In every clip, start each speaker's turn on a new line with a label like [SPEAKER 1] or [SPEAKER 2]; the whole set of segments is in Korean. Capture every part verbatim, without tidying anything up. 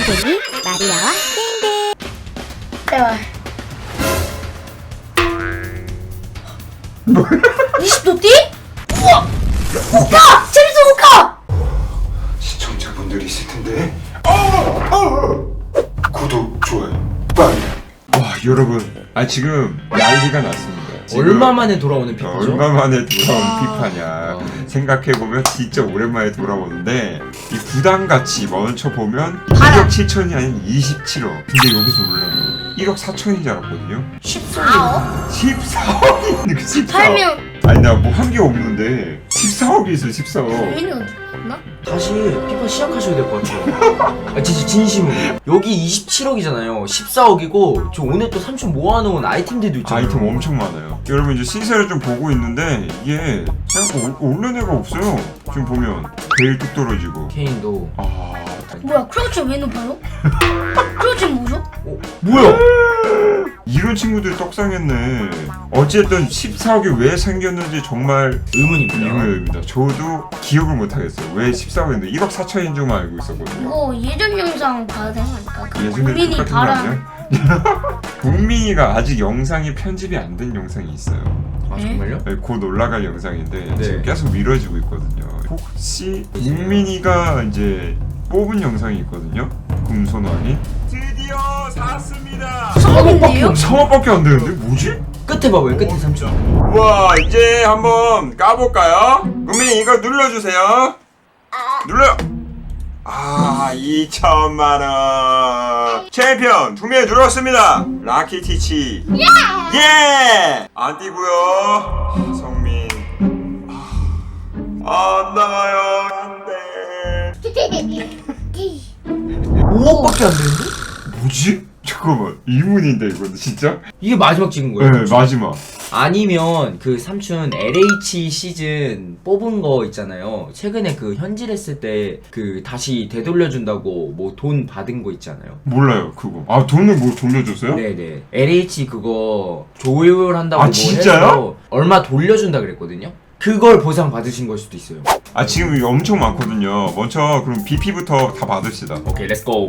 [SPEAKER 1] 게임쟁이 마리아와 게임대.
[SPEAKER 2] 제발. 이십 도 뛰? 우와! 못 가! 재밌어 못 가!
[SPEAKER 3] 시청자분들이 있을 텐데. 어! 어! 구독, 좋아요, 빨리. 와, 여러분, 아 지금 난리가 났습니다. 지금
[SPEAKER 4] 얼마 만에 돌아오는 피파죠?
[SPEAKER 3] 얼마 만에 돌아온
[SPEAKER 4] 아.
[SPEAKER 3] 피파냐.
[SPEAKER 4] 아.
[SPEAKER 3] 생각해보면 진짜 오랜만에 돌아오는데 이 부담같이 먼저 보면
[SPEAKER 2] 봐라.
[SPEAKER 3] 일억 칠천이 아닌 이십칠억. 근데 여기서 올라면 일억 사천인 줄 알았거든요.
[SPEAKER 2] 십사억?
[SPEAKER 3] 십사억이 십사억.
[SPEAKER 2] 팔면
[SPEAKER 3] 아니 나 뭐 한 게 없는데 십사억이 있어. 십사억.
[SPEAKER 2] 민이 없나?
[SPEAKER 4] 다시 피파 시작하셔야 될 것 같아요. 아 진짜 진심으로. 여기 이십칠억이잖아요. 십사억이고 저 오늘 또 삼촌 모아놓은 아이템들도 있잖아요.
[SPEAKER 3] 아이템 엄청 많아요. 여러분 이제 시세를 좀 보고 있는데 이게 생각보다 올- 오른 애가 없어요. 지금 보면 베일 뚝 떨어지고.
[SPEAKER 4] 케인도.
[SPEAKER 3] 아
[SPEAKER 2] 뭐야 크로치 왜 높아요? 크로치 뭐죠?
[SPEAKER 4] 어, 뭐야?
[SPEAKER 3] 이런 친구들이 떡상했네. 어쨌든 십사억이 왜 생겼는지 정말
[SPEAKER 4] 의문입니다.
[SPEAKER 3] 의문입니다. 저도 기억을 못하겠어요. 왜 십사억인데 일억 사천인 줄만 알고 있었거든요.
[SPEAKER 2] 이거 예전 영상 봐야 되는 거 아닐까? 그
[SPEAKER 3] 예전에
[SPEAKER 2] 국민이
[SPEAKER 3] 똑같은 거
[SPEAKER 2] 바람.
[SPEAKER 3] 아니야? 국민이가 아직 영상이 편집이 안 된 영상이 있어요.
[SPEAKER 4] 아 정말요?
[SPEAKER 3] 네, 곧 올라갈 영상인데
[SPEAKER 4] 네.
[SPEAKER 3] 지금 계속 미뤄지고 있거든요. 혹시 국민이가 이제 뽑은 영상이 있거든요. 금손왕이 드디어 샀습니다.
[SPEAKER 2] 성공인데요?
[SPEAKER 3] 상업밖에 안 되는데 뭐지?
[SPEAKER 4] 끝에 봐봐요. 끝에 삼촌.
[SPEAKER 3] 우와, 이제 한번 까볼까요? 국민이 이거 눌러주세요. 눌러요. 아, 이천만 원. 챔피언 두 명 눌렀습니다. 라키티치. 예! 예! 안 뛰고요. 성민. 아, 안 나가요. 안 돼.
[SPEAKER 4] 오억밖에 안 되는데?
[SPEAKER 3] 뭐지? 잠깐만, 이문인데 이거는 진짜?
[SPEAKER 4] 이게 마지막 찍은 거예요?
[SPEAKER 3] 네, 마지막.
[SPEAKER 4] 아니면 그 삼촌 엘에이치 시즌 뽑은 거 있잖아요. 최근에 그 현질했을 때 그 다시 되돌려준다고 뭐 돈 받은 거 있잖아요.
[SPEAKER 3] 몰라요, 그거. 아, 돈을 뭐 돌려줬어요?
[SPEAKER 4] 네네. 엘에이치 그거 조율한다고
[SPEAKER 3] 아,
[SPEAKER 4] 뭐
[SPEAKER 3] 진짜요?
[SPEAKER 4] 해서 얼마 돌려준다 그랬거든요. 그걸 보상 받으신 걸 수도 있어요.
[SPEAKER 3] 아, 지금 이거 엄청 많거든요. 먼저 그럼 비피부터 다 받읍시다.
[SPEAKER 4] 오케이, 렛츠고.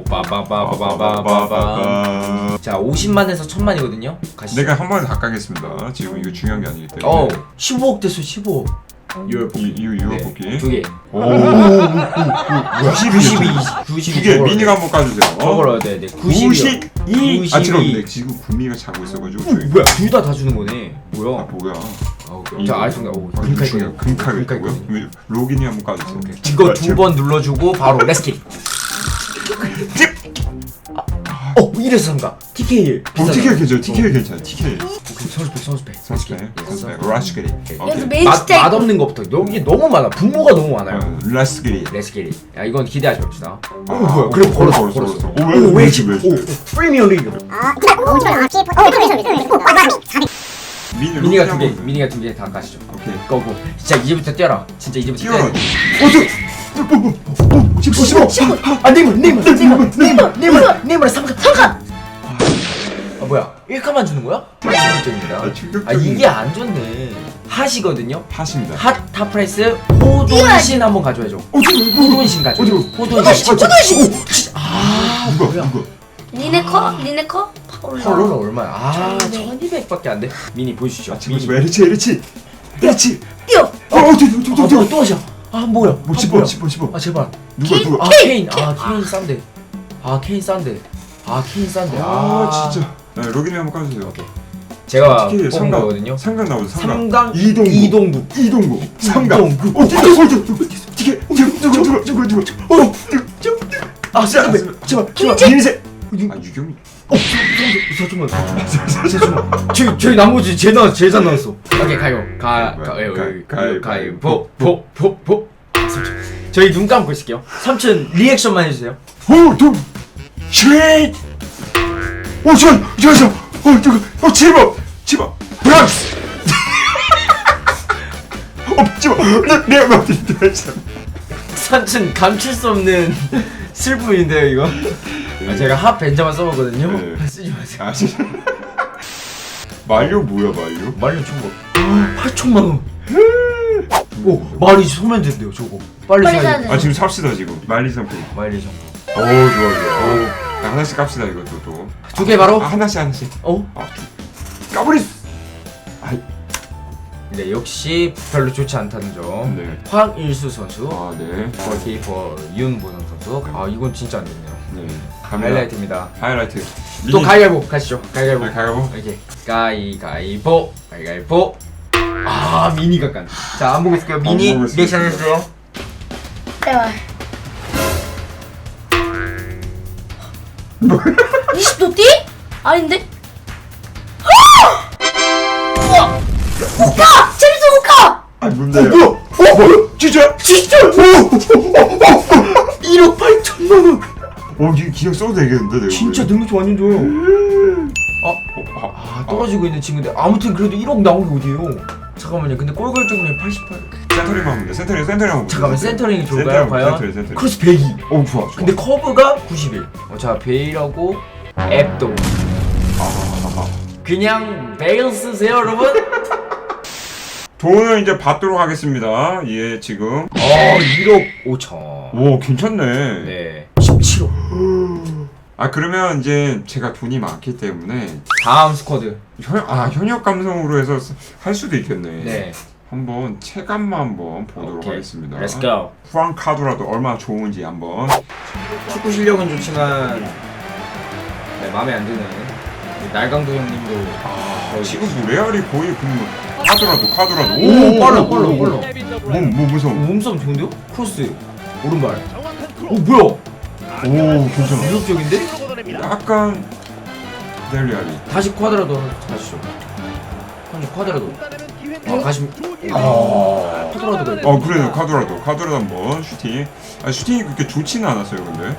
[SPEAKER 4] 빠바바바바바바바. 자, 오십만에서 천만이거든요. 가시죠.
[SPEAKER 3] 내가 한 번에 다 까겠습니다. 지금 이거 중요한 게 아니기 때문에.
[SPEAKER 4] 어, 십오억 됐어, 십오억. 유월
[SPEAKER 3] 이, 이 유효 뽑기.
[SPEAKER 4] 두 개.
[SPEAKER 3] 오.
[SPEAKER 4] 구십이. 구십이.
[SPEAKER 3] 두개 미니가 한번 까주세요.
[SPEAKER 4] 저걸 네, 네. 구십이.
[SPEAKER 3] 구십이. 아, 지금 근데 지금 구미가 자고 있어가지고. 저희.
[SPEAKER 4] 뭐야? 둘 다 다 주는 거네.
[SPEAKER 3] 아,
[SPEAKER 4] 뭐야?
[SPEAKER 3] 뭐야?
[SPEAKER 4] 아우, 자, 알겠습니다. 오, 금칼
[SPEAKER 3] 중요
[SPEAKER 4] 거든요.
[SPEAKER 3] 금칼
[SPEAKER 4] 금칼
[SPEAKER 3] 있고요.
[SPEAKER 4] 거든요.
[SPEAKER 3] 로gin이 한번 까주세요.
[SPEAKER 4] 이거 두 번 눌러주고 바로 렛츠키. 어, 이래서 삼가. 티케이.
[SPEAKER 3] 어, 티켓 괜찮아. 티켓 괜찮아. 티켓.
[SPEAKER 4] 선수백, 선수백.
[SPEAKER 3] 선수배. 선수배. 라스그리.
[SPEAKER 2] 여기서 메인
[SPEAKER 4] 맛,
[SPEAKER 2] 스테이크.
[SPEAKER 4] 맛없는 것부터. 여기 너무 많아. 분모가 너무 많아요.
[SPEAKER 3] 라스그리.
[SPEAKER 4] 렛츠키. 야, 이건 기대하지 맙시다.
[SPEAKER 3] 오
[SPEAKER 4] 뭐야? 그래, 걸었어, 걸었어.
[SPEAKER 3] 오, 왜? 왜? 왜?
[SPEAKER 4] 프리미어 리그.
[SPEAKER 3] 미니
[SPEAKER 4] 미니가 두 개, 미니가 두 개 다 가시죠.
[SPEAKER 3] 오케이.
[SPEAKER 4] 고고. 진짜 이제부터 뛰어라. 진짜 이제부터
[SPEAKER 3] 뛰어라.
[SPEAKER 4] 뛰어라. 어저. 십오, 십오, 십오. 아 네이물, 네이물, 네이물, 네이물, 네이물, 네이물 삼 칸, 삼 칸. 아 뭐야? 일 칸만 주는 거야? 충격적입니다.
[SPEAKER 3] 아, 충격적이네.
[SPEAKER 4] 아 이게 안 좋네. 핫이거든요.
[SPEAKER 3] 핫입니다.
[SPEAKER 4] 핫 탑프레스 호돈신 한번 가져야죠. 호돈신 가져. 호돈신. 호돈신. 아
[SPEAKER 3] 누가?
[SPEAKER 4] 뭐야?
[SPEAKER 3] 누가?
[SPEAKER 2] 리네커? 리네커? 파울라.
[SPEAKER 4] 컬러는 얼마야? 아
[SPEAKER 2] 네.
[SPEAKER 4] 천이백밖에 안 돼. 미니 보여주시죠.
[SPEAKER 3] 아, 지금 에리치, 에리치. 에리치.
[SPEAKER 2] 뛰어!
[SPEAKER 3] 어, 어, 저, 저, 저,
[SPEAKER 4] 아
[SPEAKER 3] 저.
[SPEAKER 4] 뭐야 또 하자. 아 뭐야?
[SPEAKER 3] 뭐
[SPEAKER 4] 아,
[SPEAKER 3] 씹어,
[SPEAKER 4] 뭐야?
[SPEAKER 3] 씹어, 씹어.
[SPEAKER 4] 아 제발.
[SPEAKER 3] 누가,
[SPEAKER 2] 케인?
[SPEAKER 3] 누가?
[SPEAKER 4] 아 케인. 아 케인 싼데. 아 케인 싼데. 아 케인 싼데.
[SPEAKER 3] 아,
[SPEAKER 4] 아
[SPEAKER 3] 진짜. 네, 로gin이 한번 까주세요.
[SPEAKER 4] 오케이. 제가
[SPEAKER 3] 티켓
[SPEAKER 4] 뽑은
[SPEAKER 3] 삼강.
[SPEAKER 4] 거거든요.
[SPEAKER 3] 삼강 나오죠. 삼강.
[SPEAKER 4] 삼강
[SPEAKER 3] 이동구.
[SPEAKER 4] 이동구.
[SPEAKER 3] 이동구. 삼강.
[SPEAKER 4] 이동구.
[SPEAKER 3] 어, 티켓, 어, 저, 저, 티켓. 누가, 누가, 누가, 누가, 누가. 어, 저, 저.
[SPEAKER 4] 아 제발 제발 제발.
[SPEAKER 3] 인쇄. 아, 유경이.
[SPEAKER 4] 어 잠깐만 잠깐만. 잠깐만. 저희 저희 나머지 제일 나 제일 잘 나왔어. 오케이 가요. 가 가- 예, 예, 가요 가요 보보보보. 저희 눈 감고 있을게요. 삼촌 리액션만 해주세요.
[SPEAKER 3] 오, 도. 쉐이. 오, 저, 저, 저. 어, 저거. 어, 제발. 제발. 브람스. 어, 제발. 내, 내, 내, 내.
[SPEAKER 4] 삼촌 감출 수 없는 슬픔인데요 이거. 아, 제가 핫 벤자만 써봤거든요.
[SPEAKER 3] 네.
[SPEAKER 4] 쓰지 마세요.
[SPEAKER 3] 아, 진짜. 말료 뭐야, 말료?
[SPEAKER 4] 말년 총각. 팔천만 원. 오 말이 소면 된대요 저거. 빨리
[SPEAKER 2] 빨리
[SPEAKER 4] 사야
[SPEAKER 2] 사야
[SPEAKER 4] 돼.
[SPEAKER 2] 돼.
[SPEAKER 3] 아, 지금 삽시다, 지금. 말리 상품.
[SPEAKER 4] 마일리 정보.
[SPEAKER 3] 오 좋아 좋아. 자, 하나씩 깝시다 이것도 또.
[SPEAKER 4] 두 개 바로?
[SPEAKER 3] 아, 하나씩 하나씩.
[SPEAKER 4] 어?
[SPEAKER 3] 아, 까버리. 아,
[SPEAKER 4] 네, 역시 별로 좋지 않다는 점.
[SPEAKER 3] 네.
[SPEAKER 4] 황일수 선수.
[SPEAKER 3] 아 네.
[SPEAKER 4] 골키퍼 윤보성 선수. 아 이건 진짜 안 좋네요.
[SPEAKER 3] 네.
[SPEAKER 4] 하이라이트입니다.
[SPEAKER 3] 하이라이트.
[SPEAKER 4] 또 가위바위보 가시죠. 가위바위보.
[SPEAKER 3] 네, 가위바위보.
[SPEAKER 4] 이렇게 가위가위보 가위가위보. 아 미니가 깐. 자 안 보고 있을게요. 미니
[SPEAKER 3] 보고 있을게요.
[SPEAKER 4] 리액션 해주세요.
[SPEAKER 2] 제발. 이십 도 띠? 아닌데? 우와! 못 가! 재밌어 못 가!
[SPEAKER 3] 아 뭔데요?
[SPEAKER 4] 뭐야?
[SPEAKER 3] 어 뭐야? 진짜?
[SPEAKER 4] 진짜? 일억 팔천만 원.
[SPEAKER 3] 어 이거 그냥 써도 되겠는데 내가.
[SPEAKER 4] 진짜
[SPEAKER 3] 보기엔.
[SPEAKER 4] 능력치 완전 좋아요. 아,
[SPEAKER 3] 어, 아,
[SPEAKER 4] 아 떨어지고 있는 친구인데 아무튼 그래도 일억 나온 게 어디에요? 잠깐만요. 근데 골 결정률 팔십팔.
[SPEAKER 3] 센터링 하면 돼. 센터링 센터링 하면 돼.
[SPEAKER 4] 잠깐만 센터링이 좋을까요?
[SPEAKER 3] 센터링,
[SPEAKER 4] 과연?
[SPEAKER 3] 센터링, 센터링.
[SPEAKER 4] 크로스 백이.
[SPEAKER 3] 어 좋아 좋아.
[SPEAKER 4] 근데 커브가 구십일. 어, 자 베일하고 앱도.
[SPEAKER 3] 아,
[SPEAKER 4] 그냥 베일 쓰세요 여러분.
[SPEAKER 3] 돈을 이제 받도록 하겠습니다. 예 지금.
[SPEAKER 4] 어 일억 오천.
[SPEAKER 3] 오 괜찮네.
[SPEAKER 4] 네. 십칠억.
[SPEAKER 3] 아 그러면 이제 제가 돈이 많기 때문에
[SPEAKER 4] 다음 스쿼드.
[SPEAKER 3] 현, 아 현역 감성으로 해서 할 수도 있겠네.
[SPEAKER 4] 네.
[SPEAKER 3] 한번 체감만 한번 보도록
[SPEAKER 4] 오케이.
[SPEAKER 3] 하겠습니다.
[SPEAKER 4] Let's go.
[SPEAKER 3] 후한 카드라도 얼마나 좋은지 한번.
[SPEAKER 4] 축구 실력은 좋지만 네 마음에 안 드는 날강도 형님도
[SPEAKER 3] 아 지금 뭐 레알이 거의 그 카드라도 카드라도.
[SPEAKER 4] 오, 빨라 빨라 빨라.
[SPEAKER 3] 몸뭐 무서워.
[SPEAKER 4] 몸싸움 좋은데요? 크로스 오른발. 오 뭐야?
[SPEAKER 3] 오 괜찮아.
[SPEAKER 4] 위협적인데?
[SPEAKER 3] 약간 델리알이.
[SPEAKER 4] 다시 쿼드라도 가시죠. 다시 쿼드라도. 아 가시. 아 쿼드라도가.
[SPEAKER 3] 어 그래요 카드라도 카드라도 한번 슈팅. 아 슈팅이 그렇게 좋지는 않았어요 근데.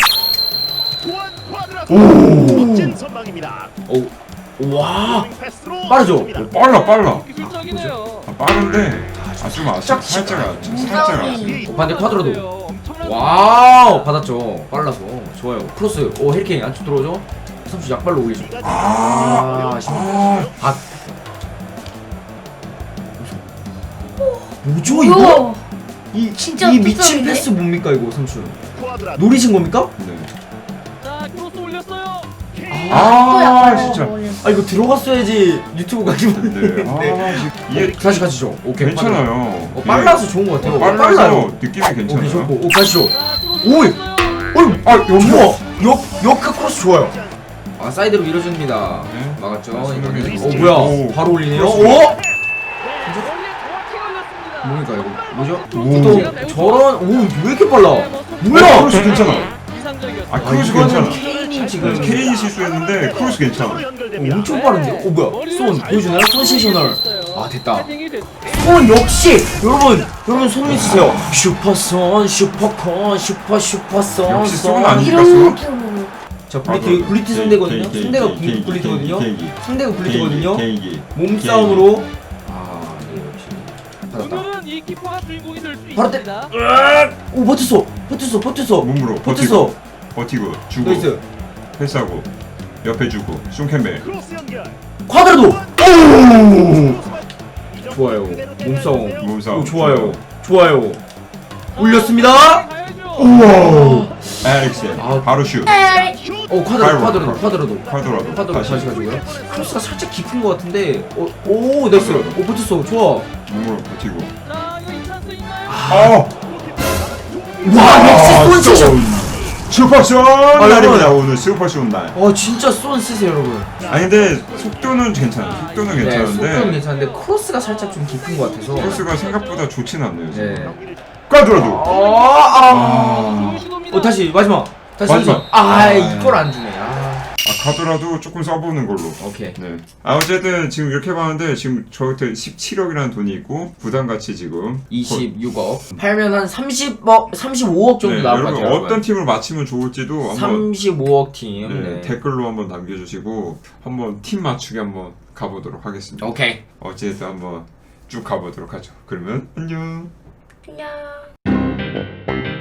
[SPEAKER 5] 오! 멋진 선방입니다.
[SPEAKER 4] 오. 와.
[SPEAKER 5] 패스로
[SPEAKER 4] 빠르죠?
[SPEAKER 3] 오, 빨라 빨라.
[SPEAKER 5] 기술적이네요.
[SPEAKER 3] 아, 빠른데 아좀 아쉽 살짝 아- 살짝 아쉽.
[SPEAKER 4] 어, 반대 쿼드라도. 와우 받았죠. 빨라서 좋아요. 크로스. 오 헤리케인 안쪽 들어오죠. 선수 약발로 올리죠. 아 아쉽네. 아. 뭐죠 이거?
[SPEAKER 2] 우와!
[SPEAKER 4] 이
[SPEAKER 2] 진짜
[SPEAKER 4] 이 미친
[SPEAKER 2] 뚝섬이네.
[SPEAKER 4] 패스 뭡니까 이거 선수?
[SPEAKER 5] 쿼드라
[SPEAKER 4] 노리신 겁니까?
[SPEAKER 3] 네.
[SPEAKER 5] 자, 크로스 올렸어요.
[SPEAKER 3] 아 진짜.
[SPEAKER 4] 아 이거 들어갔어야지 유튜브 가지고
[SPEAKER 3] 네. 아 이게
[SPEAKER 4] 다시 가시죠. 오케이
[SPEAKER 3] 괜찮아요.
[SPEAKER 4] 어, 빨라서 좋은 것 같아요.
[SPEAKER 3] 어, 빨라서
[SPEAKER 4] 빨라요.
[SPEAKER 3] 느낌이
[SPEAKER 4] 오케이
[SPEAKER 3] 괜찮아요.
[SPEAKER 4] 좋고. 오 가시죠.
[SPEAKER 5] 자, 크로스
[SPEAKER 4] 오이.
[SPEAKER 5] 올렸어요.
[SPEAKER 4] 어이. 아 연보아. 역 역크 크로스 좋아요. 아 사이드로 밀어줍니다.
[SPEAKER 3] 네.
[SPEAKER 4] 막았죠.
[SPEAKER 3] 맞습니다.
[SPEAKER 4] 이거는. 오
[SPEAKER 3] 오.
[SPEAKER 4] 뭐야? 바로 올리네요.
[SPEAKER 3] 크로스.
[SPEAKER 4] 오.
[SPEAKER 5] 원래 정확히 올렸습니다.
[SPEAKER 4] 뭡니까 이거? 뭐죠?
[SPEAKER 3] 오.
[SPEAKER 4] 또 저런 오왜 이렇게 빨라?
[SPEAKER 3] 아,
[SPEAKER 4] 뭐야?
[SPEAKER 3] 크로스 괜찮아.
[SPEAKER 5] 이상적이었어요.
[SPEAKER 3] 아
[SPEAKER 4] 아
[SPEAKER 3] 크로스
[SPEAKER 4] 이거는
[SPEAKER 3] 괜찮아.
[SPEAKER 4] 케인이 지금
[SPEAKER 3] 케인이 실수했는데 크로스 괜찮아.
[SPEAKER 4] 어, 엄청 빠른데? 오 뭐야? 손 보여주나요? 손 세셔널. 아 됐다.
[SPEAKER 5] 헤딩이 됐-
[SPEAKER 4] 손 역시 여러분 여러분 손 믿으세요. 슈퍼손 슈퍼콘 슈퍼 슈퍼손
[SPEAKER 3] 역시 손
[SPEAKER 4] 손.
[SPEAKER 3] 아니야?
[SPEAKER 2] 이런 느낌으로.
[SPEAKER 4] 자 블리트 블리트 상대거든요. 상대가 블리- 블리트거든요.
[SPEAKER 3] 개인기.
[SPEAKER 4] 상대가 블리트거든요.
[SPEAKER 3] 개인기.
[SPEAKER 4] 몸싸움으로 아 네, 역시 받았다.
[SPEAKER 5] 오늘은 이 키퍼가 주인공이 될 수
[SPEAKER 4] 바로 때-
[SPEAKER 5] 있습니다.
[SPEAKER 4] 오 버텼어 버텼어 버텼어
[SPEAKER 3] 몸으로
[SPEAKER 4] 버텼어.
[SPEAKER 3] 버티고 주고
[SPEAKER 4] 나이스.
[SPEAKER 3] 패스하고 옆에 주고 슌캔벨.
[SPEAKER 5] 크로스 연결.
[SPEAKER 4] 쿼드라도.
[SPEAKER 3] 오!
[SPEAKER 4] 좋아요. 몸싸움.
[SPEAKER 3] 몸싸움.
[SPEAKER 4] 오 좋아요. 좋아요. 올렸습니다.
[SPEAKER 5] 가야죠.
[SPEAKER 3] 우와. 에릭센.
[SPEAKER 4] 아.
[SPEAKER 3] 바로 슛.
[SPEAKER 4] 오 쿼드라도
[SPEAKER 3] 바로,
[SPEAKER 4] 쿼드라도
[SPEAKER 3] 바로.
[SPEAKER 4] 쿼드라도.
[SPEAKER 3] 쿼드라도.
[SPEAKER 4] 쿼드라도
[SPEAKER 3] 다시.
[SPEAKER 4] 다시 가지고요. 크로스가 살짝 깊은 것 같은데. 오, 오 나이스. 오 버텼어. 좋아.
[SPEAKER 3] 몸으로 버티고.
[SPEAKER 5] 자, 이거 이 찬스인가요?
[SPEAKER 3] 아!
[SPEAKER 4] 와 역시 손 치셔.
[SPEAKER 3] 슈퍼쇼
[SPEAKER 4] 아,
[SPEAKER 3] 날입니다 오늘 슈퍼쇼 날.
[SPEAKER 4] 어 진짜 손 쓰세요 여러분.
[SPEAKER 3] 아니 근데 속도는 괜찮아. 속도는
[SPEAKER 4] 네, 속도는
[SPEAKER 3] 괜찮은데
[SPEAKER 4] 괜찮은데 크로스가 살짝 좀 깊은 것 같아서.
[SPEAKER 3] 코스가 생각보다 좋진 않네요.
[SPEAKER 4] 네.
[SPEAKER 3] 지금. 꽈드라도.
[SPEAKER 4] 아,
[SPEAKER 3] 아.
[SPEAKER 5] 좋은 시도입니다.
[SPEAKER 4] 어 다시 마지막. 다시
[SPEAKER 3] 마지막.
[SPEAKER 4] 마지막. 아,
[SPEAKER 3] 아.
[SPEAKER 4] 이걸 안 주네. 아.
[SPEAKER 3] 아 가더라도 조금 써보는 걸로.
[SPEAKER 4] 오케이.
[SPEAKER 3] 네. 아 어쨌든 지금 이렇게 봤는데 지금 저한테 십칠억이라는 돈이 있고 부담같이 지금
[SPEAKER 4] 이십육억. 팔면 한 삼십억, 삼십오억 정도
[SPEAKER 3] 네,
[SPEAKER 4] 나올 것
[SPEAKER 3] 여러분
[SPEAKER 4] 같아요.
[SPEAKER 3] 어떤 팀을 맞히면 좋을지도 한번
[SPEAKER 4] 삼십오억 팀.
[SPEAKER 3] 네,
[SPEAKER 4] 네.
[SPEAKER 3] 댓글로 한번 남겨주시고 한번 팀 맞추기 한번 가보도록 하겠습니다.
[SPEAKER 4] 오케이.
[SPEAKER 3] 어쨌든 한번 쭉 가보도록 하죠. 그러면 안녕.
[SPEAKER 2] 그냥.